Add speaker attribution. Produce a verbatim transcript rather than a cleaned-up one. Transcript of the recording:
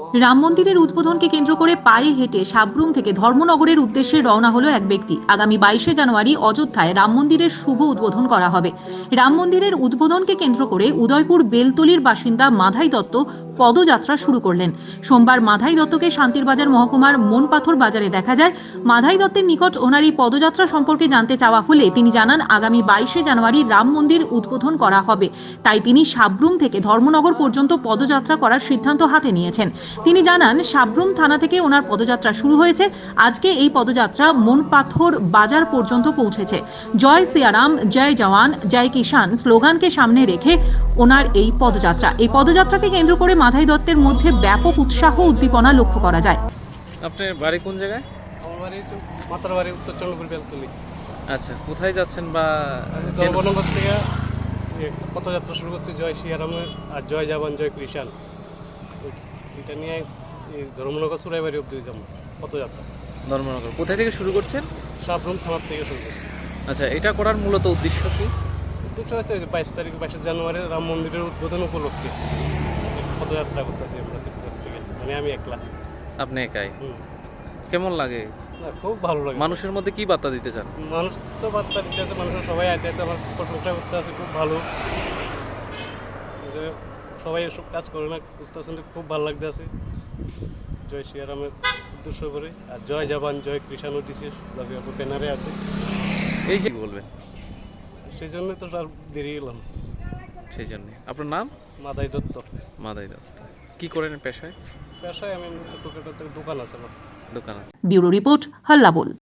Speaker 1: রাম মন্দিরের উদ্বোধনকে কেন্দ্র করে পায়ে হেঁটে সাবরুম থেকে ধর্মনগরের উদ্দেশ্যে রওনা হলো এক ব্যক্তি। আগামী বাইশে জানুয়ারি অযোধ্যায় রাম মন্দিরের শুভ উদ্বোধন করা হবে। রাম মন্দিরের উদ্বোধনকে কেন্দ্র করে উদয়পুর বেলতলির বাসিন্দা মাধাই দত্ত পদযাত্রা শুরু করলেন। সোমবার মাধাই দত্তকে শান্তিরবাজার মহকুমার মনপাথর বাজারে দেখা যায়। মাধাই দত্তের নিকট ওনার এই পদযাত্রা সম্পর্কে জানতে চাওয়া হলে তিনি জানান, আগামী বাইশে জানুয়ারি রাম মন্দির উদ্বোধন করা হবে, তাই তিনি সাবরুম থেকে ধর্মনগর পর্যন্ত পদযাত্রা করার সিদ্ধান্ত হাতে নিয়েছেন। তিনি জানান, সাবরুম থানা থেকে ওনার পদযাত্রা শুরু হয়েছে। আজকে এই পদযাত্রা মনপাথর বাজার পর্যন্ত পৌঁছেছে। জয় সিয়ারাম, জয় জওয়ান, জয় কিষান স্লোগানকে সামনে রেখে ওনার এই পদযাত্রা। এই পদযাত্রাকে কেন্দ্র করে মাধাই দত্তের মধ্যে ব্যাপক উৎসাহ উদ্দীপনা লক্ষ্য করা যায়।
Speaker 2: আপনার বাড়ি কোন জায়গায়?
Speaker 3: আমার বাড়ি মাতার বাড়ি উত্তর চন্দ্রপুর বেলতলি।
Speaker 2: আচ্ছা, কোথায় যাচ্ছেন বা
Speaker 3: ধর্মনগর থেকে পদযাত্রা শুরু করছে জয় সিয়ারামের আর জয় জওয়ান জয় কৃষাণ, এটা নিয়ে ধর্মনগর চুরাইবাড়ি অব্দি যাবো পদযাত্রা।
Speaker 2: ধর্মনগর কোথায় থেকে শুরু করছেন?
Speaker 3: সাবরুম থানার থেকে শুরু করছে।
Speaker 2: আচ্ছা, এটা করার মূলত উদ্দেশ্য কি?
Speaker 3: উদ্দেশ্য হচ্ছে বাইশ তারিখ বাইশে জানুয়ারি রাম মন্দিরের উদ্বোধন উপলক্ষে পদযাত্রা করতেছি আমরা থেকে, মানে আমি একলা।
Speaker 2: আপনি একাই? কেমন লাগে?
Speaker 3: না, খুব ভালো লাগে।
Speaker 2: মানুষের মধ্যে কি বার্তা দিতে চান?
Speaker 3: মানুষ তো বার্তা দিতে আছে, মানুষের সবাই আইতে আইতে আমার প্রশংসা করতে আছে, খুব ভালো। সবাই এসব কাজ করে না, বুঝতে পারছেন, খুব ভালো লাগতে আছে। জয় শ্রীরামের উদ্দেশ্য করে আর জয় জওয়ান জয় কৃষাণও দিছে ব্যানারে আছে।
Speaker 2: এই যে বলবেন,
Speaker 3: সেই জন্য তো আর দেরি গেলাম।
Speaker 2: সেই জন্যে। আপনার নাম?
Speaker 3: মাদাই দত্ত।
Speaker 2: মাদাই দত্ত। কি করেন পেশায়?
Speaker 3: পেশায় আমি ছোটখাটো দোকান আছে আমার।
Speaker 2: দোকান আছে।
Speaker 1: ব্যুরো রিপোর্ট, হাল্লা বল।